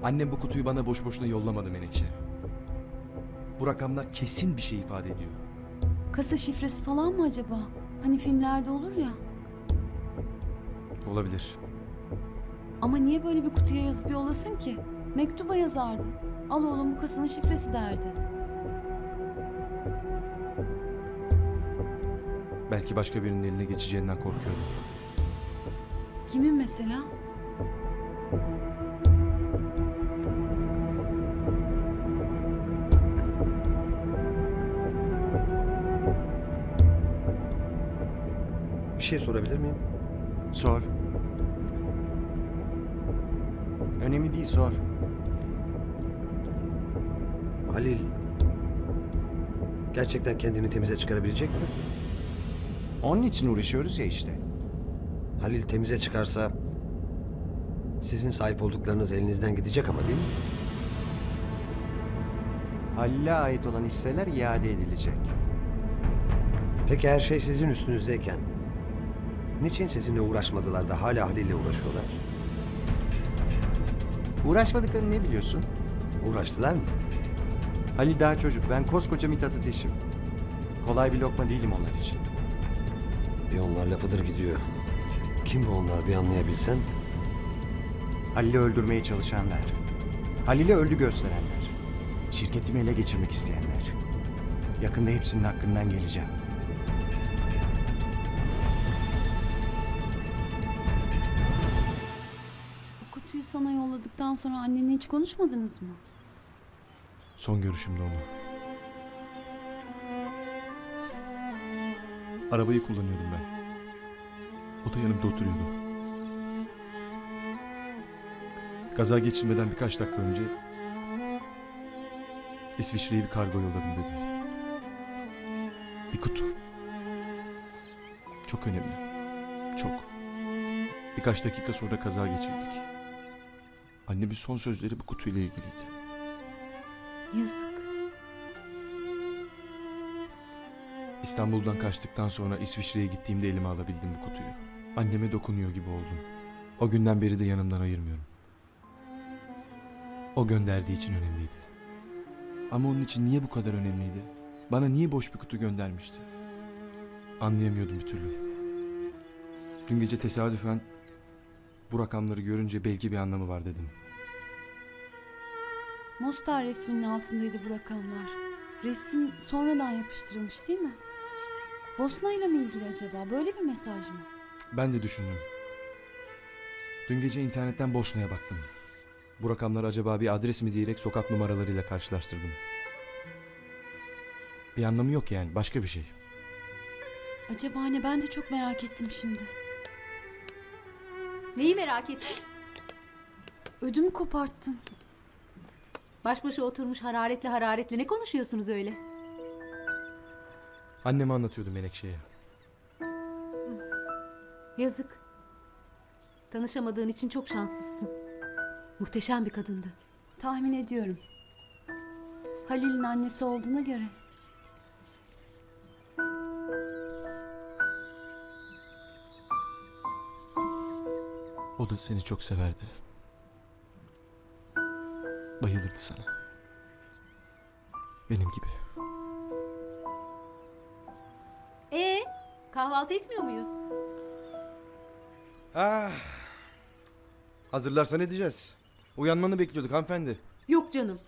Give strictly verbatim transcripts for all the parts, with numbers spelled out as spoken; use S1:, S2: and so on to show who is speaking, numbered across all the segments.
S1: Annem bu kutuyu bana boş boşuna yollamadı Menekşe. Bu rakamlar kesin bir şey ifade ediyor.
S2: Kasa şifresi falan mı acaba? Hani filmlerde olur ya.
S1: Olabilir.
S2: Ama niye böyle bir kutuya yazıp yollasın ki? Mektuba yazardı. Al oğlum bu kasanın şifresi derdi.
S1: Belki başka birinin eline geçeceğinden korkuyordu.
S2: Kimin mesela?
S3: Bir şey sorabilir miyim?
S4: Sor. Önemli değil, sor.
S3: Halil gerçekten kendini temize çıkarabilecek mi?
S4: Onun için uğraşıyoruz ya işte.
S3: Halil temize çıkarsa sizin sahip olduklarınız elinizden gidecek ama değil mi?
S4: Halil'e ait olan hisseler iade edilecek.
S3: Peki her şey sizin üstünüzdeyken niçin sizinle uğraşmadılar da hala Halil'le uğraşıyorlar?
S4: Uğraşmadıklarını ne biliyorsun?
S3: Uğraştılar mı?
S4: Halil daha çocuk, ben koskoca Mithat Ateş'im. Kolay bir lokma değilim onlar için.
S3: Bir onlar lafıdır gidiyor. Kim bu onlar bir anlayabilsem?
S4: Halil'i öldürmeye çalışanlar. Halil'i öldü gösterenler. Şirketimi ele geçirmek isteyenler. Yakında hepsinin hakkından geleceğim.
S2: Bu kutuyu sana yolladıktan sonra annenle hiç konuşmadınız mı?
S1: Son görüşümde onu. Arabayı kullanıyordum ben. O da yanımda oturuyordu. Kaza geçirmeden birkaç dakika önce İsviçre'ye bir kargo yolladım dedi. Bir kutu. Çok önemli. Çok. Birkaç dakika sonra kaza geçirdik. Annemin son sözleri bu kutuyla ilgiliydi.
S2: Yazık.
S1: İstanbul'dan kaçtıktan sonra İsviçre'ye gittiğimde elime alabildim bu kutuyu. Anneme dokunuyor gibi oldum. O günden beri de yanımdan ayırmıyorum. O gönderdiği için önemliydi. Ama onun için niye bu kadar önemliydi? Bana niye boş bir kutu göndermişti? Anlayamıyordum bir türlü. Dün gece tesadüfen bu rakamları görünce belki bir anlamı var dedim.
S2: Mostar resminin altındaydı bu rakamlar. Resim sonradan yapıştırılmış değil mi? Bosna ile mi ilgili acaba? Böyle bir mesaj mı?
S1: Ben de düşündüm. Dün gece internetten Bosna'ya baktım. Bu rakamlar acaba bir adres mi diyerek sokak numaralarıyla karşılaştırdım. Bir anlamı yok yani, başka bir şey.
S2: Acaba ne? Ben de çok merak ettim şimdi.
S5: Neyi merak ettin?
S2: Ödümü koparttın.
S5: Baş başa oturmuş hararetle hararetle ne konuşuyorsunuz öyle?
S1: Anneme anlatıyordum Menekşe'ye.
S5: Yazık. Tanışamadığın için çok şanslısın. Muhteşem bir kadındı.
S2: Tahmin ediyorum. Halil'in annesi olduğuna göre.
S1: O da seni çok severdi. Bayılırdı sana. Benim gibi.
S5: Ee, kahvaltı etmiyor muyuz?
S1: Ah. Hazırlarsan edeceğiz. Uyanmanı bekliyorduk hanımefendi.
S5: Yok canım.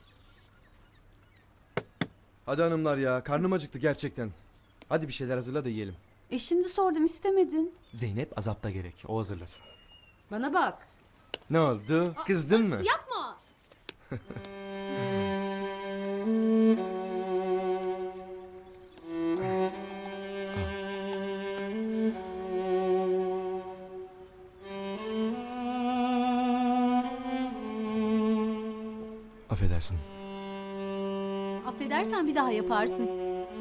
S1: Hadi hanımlar ya, karnım acıktı gerçekten. Hadi bir şeyler hazırla da yiyelim.
S2: E şimdi sordum istemedin.
S1: Zeynep azapta gerek, o hazırlasın.
S5: Bana bak.
S1: Ne oldu? Kızdın mı?
S5: Yapma.
S1: Affedersin.
S5: Affedersen bir daha yaparsın.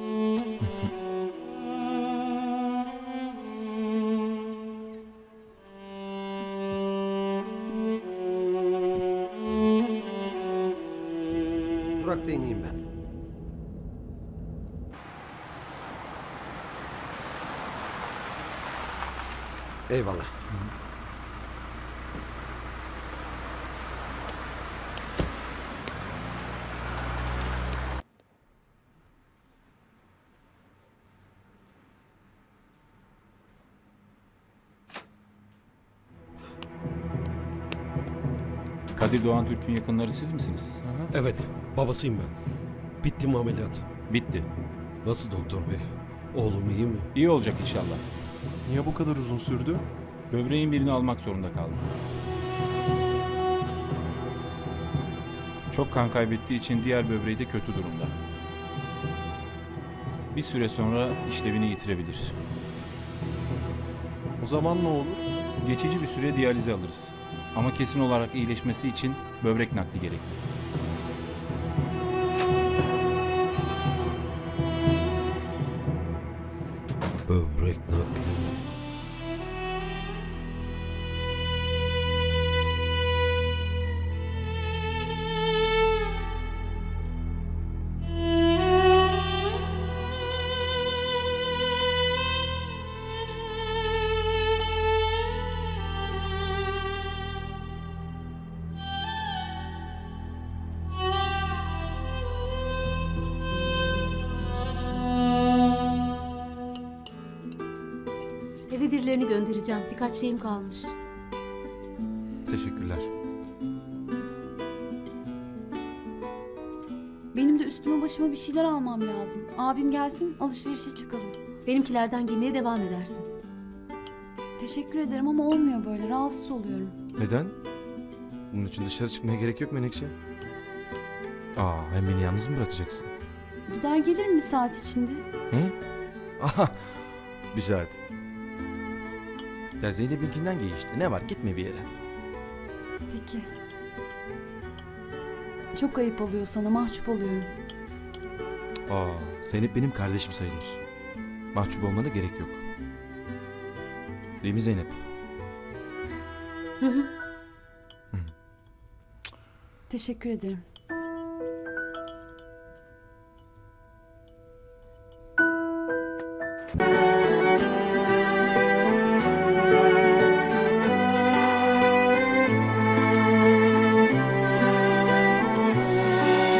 S3: Durakta ineyim ben. Eyvallah.
S6: Kadir Doğan Türk'ün yakınları siz misiniz?
S7: Evet, babasıyım ben. Bitti mi ameliyat?
S6: Bitti.
S7: Nasıl doktor bey? Oğlum iyi mi?
S6: İyi olacak inşallah.
S1: Niye bu kadar uzun sürdü?
S6: Böbreğin birini almak zorunda kaldık. Çok kan kaybettiği için diğer böbreği de kötü durumda. Bir süre sonra işlevini yitirebilir.
S1: O zaman ne olur?
S6: Geçici bir süre diyalize alırız. Ama kesin olarak iyileşmesi için böbrek nakli gerekli.
S7: Böbrek nakli mi?
S5: Eve birilerini göndereceğim. Birkaç şeyim kalmış.
S1: Teşekkürler.
S2: Benim de üstüme başıma bir şeyler almam lazım. Abim gelsin alışverişe çıkalım.
S5: Benimkilerden giymeye devam edersin.
S2: Teşekkür ederim ama olmuyor böyle. Rahatsız oluyorum.
S1: Neden? Bunun için dışarı çıkmaya gerek yok Menekşe. Aa, hem beni yalnız mı bırakacaksın?
S2: Gider gelirim bir saat içinde.
S1: He? Aha, bir saat. Ya Zeynep'inkinden giy işte. Ne var? Gitme bir yere.
S2: Peki. Çok ayıp oluyor sana. Mahcup oluyorum.
S1: Aa, Zeynep benim kardeşim sayılır. Mahcup olmana gerek yok. Değil mi Zeynep?
S5: Hı hı.
S2: Teşekkür ederim.